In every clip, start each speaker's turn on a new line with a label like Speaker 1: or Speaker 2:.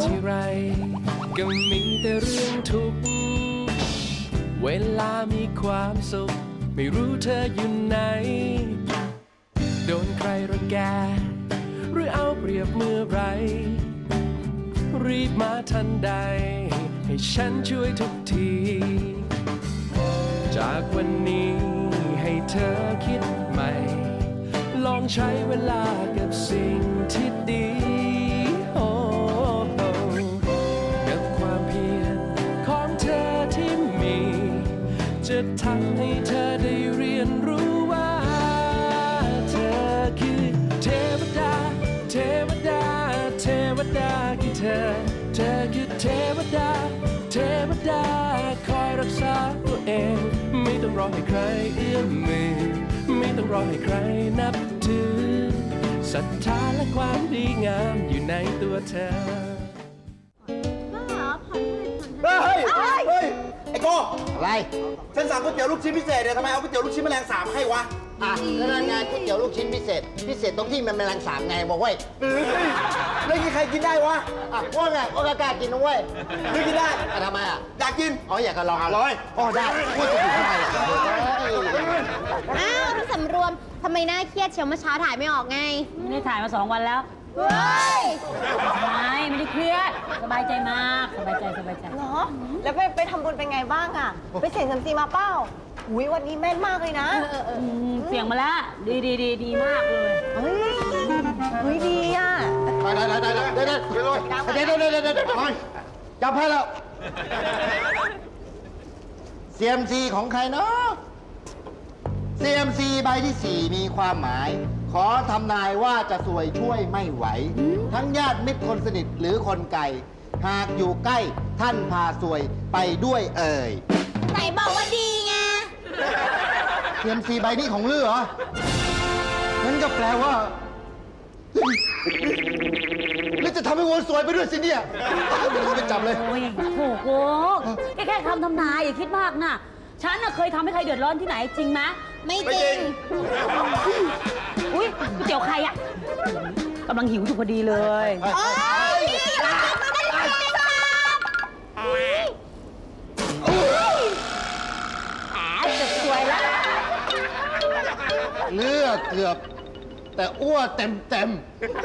Speaker 1: ทีไรก็มีแต่เรื่องทุกข์เวลามีความสุขไม่รู้เธออยู่ไหนโดนใครรังแกหรือเอาเปรียบเมื่อไรรีบมาทันใดให้ฉันช่วยทุกทีจากวันนี้ให้เธอคิดใหม่ลองใช้เวลากับสิ่งที่ดีโอ้กับความเพียรของเธอที่มีจะทำให้เธอได้เรียนรู้ว่าเธอคือเทวดาเทวดาเทวดาคือเธอคือเทวดาเทวดาคอยรักษาตัวเองไม่ต้องรอให้ใครเอื้อมมือไม่ต้องรอให้ใครนับถือศรัทธาและความดีงามอยู่ในตัวเธอ
Speaker 2: เฮ้ยไอ้โก้
Speaker 3: อะไร
Speaker 2: ฉันสั่งก๋วยเตี๋ยวลูกชิ้นพิเศษเนี่ยทำไมเอาก๋วยเตี๋ยวลูกชิ้นแมลงสาบให้วะ
Speaker 3: อ่ะแล้วนั่นไงก๋วยเตี๋ยวลูกชิ้นพิเศษตรงที่มันแมลงสาบไงบอกเว้ย
Speaker 2: แล้วใครกินได้วะ
Speaker 3: อ่ะว่าไงว่ากล้ากินนะเว้ย
Speaker 2: ไม่กินได้
Speaker 3: อ่ะทำไมอ่ะ
Speaker 2: อยากกิน
Speaker 3: อ๋ออยากจะลองอ๋อได้พูดจะอยู่ทำไมล่ะ
Speaker 4: อ้าวพี่สำรวมทำไมหน้าเครียดเชียวเมื่อเช้าถ่ายไม่ออกไง
Speaker 5: ไม่ได้ถ่ายมา2 วันแล้ว
Speaker 4: เฮ้ย
Speaker 5: ไม่ได้เครียด สบายใจมาก สบายใจ
Speaker 6: เหรอ แล้วไปทำบุญเป็นไงบ้างอะไปเสี่ยงเซียมซีมาเป้าอุ้ยวันนี้แม่นมากเลยนะ
Speaker 5: เสียงมาแล้ว ดีมากเลย
Speaker 6: เฮ้ยดีอะ
Speaker 3: ได้จับให้แล้วเซียมซีของใครเนาะเซียมซีใบที่ 4 มีความหมาย ขอทำนายว่าจะสวยช่วยไม่ไหว ทั้งญาติมิตรคนสนิทหรือคนไกลหากอยู่ใกล้ท่านพาสวยไปด้วยเอ่ย
Speaker 4: ไหนบอกว่าดีไง
Speaker 3: เซียมซีใบนี้ของลือเหรอนั่นก็แปลว่าแล้วจะทำให้วัวสวยไปด้วยสิเนี่ยไปจับเลย
Speaker 5: โอ้ยโถโกแค่คำทำนายอย่าคิดมากนะ ฉันน่ะเคยทำให้ใครเดือดร้อนที่ไหนจริงไหม
Speaker 4: ไม่จริง
Speaker 5: อุ้ยก๋วยเตี๋ยวใครอ่ะกำลังหิวอยู่พอดีเลย
Speaker 4: โอ๊ยพี่อย่ามากินมันได้ยังไง
Speaker 5: จะสวยแล้ว
Speaker 3: เลือดเกือบ แต่อ้วเต็ม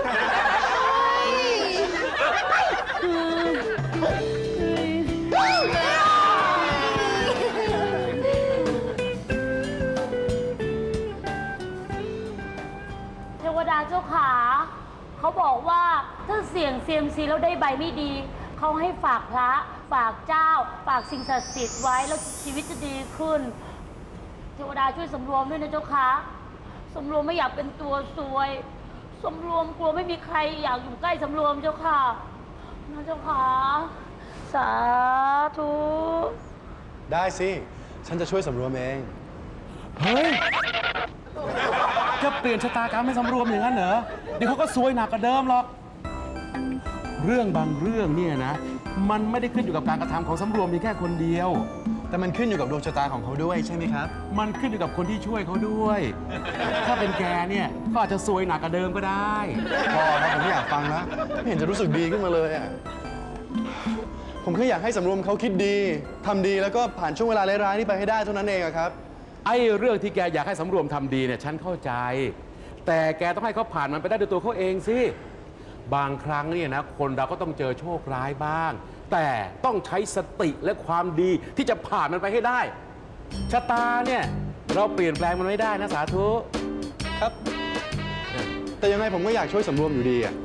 Speaker 5: เทวดาเจ้าขาเขาบอกว่าถ้าเสี่ยงเซียมซีแล้วได้ใบไม่ดี เขาให้ฝากพระฝากเจ้า ฝากสิ่งศักดิ์สิทธิ์ไว้แล้วชีวิตจะดีขึ้น เทวดาช่วยสำรวมด้วยนะเจ้าขาสำรวมไม่อยากเป็นตัวซวยสำรวมกลัวไม่มีใครอยากอยู่ใกล้สำรวมเจ้าค่ะนะเจ้าขาสาธุ
Speaker 7: ได้สิ ฉันจะช่วยสำรวมเอง
Speaker 8: เฮ้ย จะเปลี่ยนชะตากรรมให้สำรวมอย่างนั้นเหรอ เดี๋ยวเขาก็ซวยหนักกว่าเดิมหรอก เรื่องบางเรื่องเนี่ยนะ มันไม่ได้ขึ้นอยู่กับการกระทำของสำรวมเพียงแค่คนเดียว
Speaker 7: แต่มันขึ้นอยู่กับดวงชะตาของเขาด้วยใช่ไหมครับ
Speaker 8: มันขึ้นอยู่กับคนที่ช่วยเขาด้วย ถ้าเป็นแกเนี่ย ก็อาจจะซวยหนักกว่าเดิมก็ได้
Speaker 7: พอครับผมไม่อยากฟังแล้วไม่เห็นจะรู้สึกดีขึ้นมาเลยอ่ะ ผมแค่อยากให้สำรวมเขาคิดดีทำดีแล้วก็ผ่านช่วงเวลาร้ายๆนี้ไปให้ได้เท่านั้นเองอะครับ
Speaker 8: ไอ้เรื่องที่แกอยากให้สำรวมทำดีเนี่ยฉันเข้าใจ แต่แกต้องให้เขาผ่านมันไปได้ด้วยตัวเขาเองสิ บางครั้งเนี่ยนะคนเราก็ต้องเจอโชคร้ายบ้าง แต่ต้องใช้สติและความดีที่จะผ่านมันไปให้ได้ ชะตาเนี่ยเราเปลี่ยนแปลงมันไม่ได้นะสาธุ
Speaker 7: ครับ แต่ยังไงผมก็อยากช่วยสำรวมอยู่ดีอ่ะ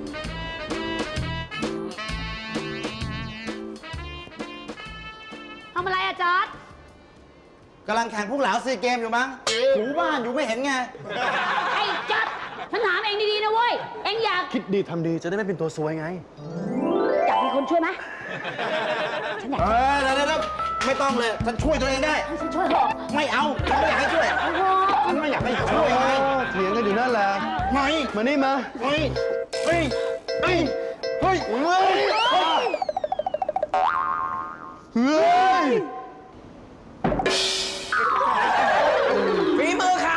Speaker 5: ทำอะไรอะจอร์ด
Speaker 2: กำลังแข่งพวกเหลาซีเกมอยู่มั้งถูบ้านอยู่ไม่เห็นไง
Speaker 5: ไอ้จอร์ดฉันถามเองดีๆนะเว้ย เองอยาก
Speaker 7: คิดดีทำดีจะได้ไม่เป็นตัวซวยไง
Speaker 5: อยากมีคนช่วยไหมฉันอยาก
Speaker 2: เดี๋ยวไม่ต้องเลย ฉันช่วยตัวเองได้
Speaker 5: ให้ฉันช่วยเถอะ
Speaker 2: ไม่เอา ฉันไม่อยากให้ช่วย
Speaker 5: เอาเถอะ
Speaker 2: ฉันไม่อยากให้ช่วยไง
Speaker 7: เถียงกันอยู่นั่นแหละ
Speaker 2: ไม่
Speaker 7: มานี่มา
Speaker 2: เฮ้ยเฮ้ยเฮ้ยเฮ้ยเฮ้ย
Speaker 7: เฮ้ย
Speaker 2: ฝีมือใคร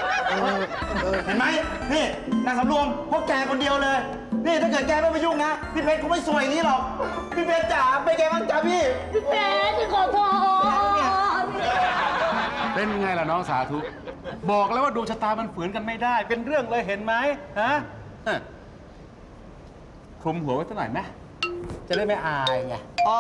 Speaker 2: เห็นไหมนี่นางสำรวมพวกแกคนเดียวเลย นี่ถ้าเกิดแกไม่ไปยุ่งนะพี่เพชรเขาไม่สวยอย่างนี้หรอก พี่เพชรจ๋าเป็นไงบ้างจ๊ะพี่
Speaker 5: พี่เพชรขอโทษ
Speaker 8: เป็นไงล่ะน้องสาธุ บอกแล้วว่าดวงชะตามันฝืนกันไม่ได้ เป็นเรื่องเลยเห็นไหมฮะคลุมหัวไว้สักหน่อยไหมจะได้ไม่อายไง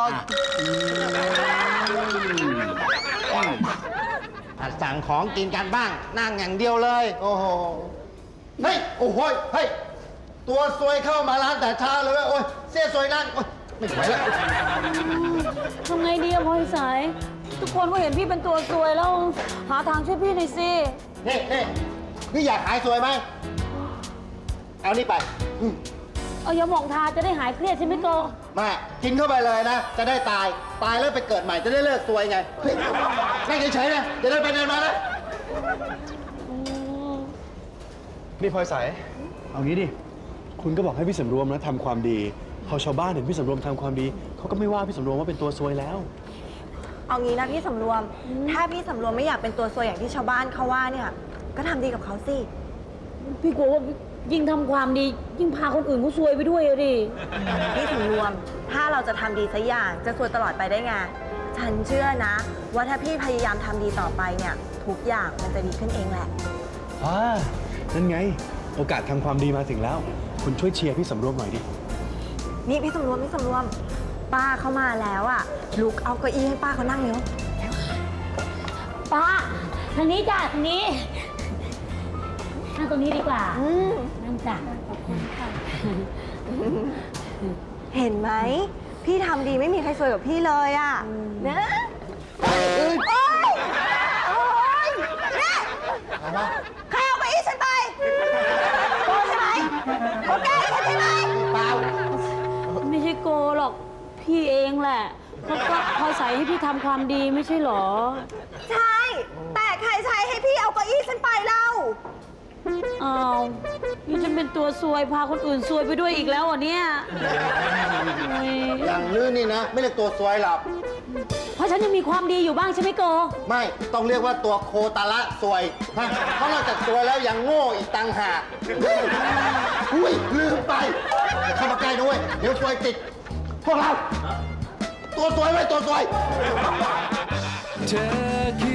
Speaker 3: สั่งของกินกันบ้าง นั่งอย่างเดียวเลย โอ้โห เฮ้ย โอ้โหเฮ้ย ตัวซวยเข้ามาร้านแต่เช้าเลยเว้ยโอ้ยเสียซวยนั่งโอ๊ยไม่ไหวแล้ว
Speaker 5: ทำไงดีอะพลอยสาย ทุกคนก็เห็นพี่เป็นตัวซวยแล้วหาทางช่วยพี่หน่อยสิ
Speaker 3: นี่อยากหายซวยไหม เอานี่ไป
Speaker 5: เอายาหมองทาจะได้หายเครียดใช่ไหมโก
Speaker 3: มากินเข้าไปเลยนะ จะได้ตาย ตายแล้วไปเกิดใหม่จะได้เลิกซวยไงเฮ้ยนั่งเฉยๆนะจะได้ไปเดินมานะ
Speaker 7: นี่พลอยใสเอางี้ดิ คุณก็บอกให้พี่สำรวมนะทำความดี พอชาวบ้านเห็นพี่สำรวมทำความดี เขาก็ไม่ว่าพี่สำรวมว่าเป็นตัวซวยแล้ว
Speaker 6: เอางี้นะพี่สำรวม ถ้าพี่สำรวมไม่อยากเป็นตัวซวยอย่างที่ชาวบ้านเขาว่าเนี่ย ก็ทำดีกับเขาสิ
Speaker 5: พี่กลัวว่ายิ่งทำความดียิ่งพาคนอื่นเขาซวยไปด้วยอะดิ
Speaker 6: พี่สำรวม ถ้าเราจะทำดีสักอย่างจะซวยตลอดไปได้ไง ฉันเชื่อนะ ว่าถ้าพี่พยายามทำดีต่อไปเนี่ยทุกอย่างมันจะดีขึ้นเองแหละ
Speaker 7: นั่นไง โอกาสทำความดีมาถึงแล้ว คุณช่วยเชียร์พี่สำรวมหน่อยดิ
Speaker 6: นี่พี่สำรวม ป้าเข้ามาแล้วอ่ะลุกเอาเก้าอี้ให้ป้าเขานั่งเร็ว
Speaker 5: ป้าทางนี้จ้ะทางนี้นั่งตรงนี้ดีกว่านั่งจ้ะขอบคุณค่ะ
Speaker 6: เห็นไหม พี่ทำดีไม่มีใครซวยกับพี่เลยอ่ะนะโอ๊ยเนี่ยใครเอาไปอีฉันไปโกใช่ไหมโกแกล้งฉันใช่ไหม
Speaker 3: เปล่า
Speaker 5: ไม่ใช่โกหรอกพี่เองแหละเขาก็พลอยใส่ให้พี่ทำความดีไม่ใช่หรอ
Speaker 6: ใช่ แต่ใครใช้ให้พี่เอาเก้าอี้ฉันไปเล่า
Speaker 5: อ้าวนี่ฉันเป็นตัวซวยพาคนอื่นซวยไปด้วยอีกแล้วเหรอเนี่ยโอ้ย
Speaker 3: อย่างลื้อนี่นะ ไม่เรียกตัวซวยหรอก
Speaker 5: เพราะฉันยังมีความดีอยู่บ้างใช่ไหมโก
Speaker 3: ไม่ ต้องเรียกว่าตัวโคตาละซวยฮะเพราะนอกจากซวยแล้วยังโง่อีกต่างหากอุ้ยลืมไปอย่าเข้ามาใกล้ด้วย เดี๋ยวซวยติด พวกเรา ตัวซวยไว้ตัวซวย
Speaker 1: เธอคือ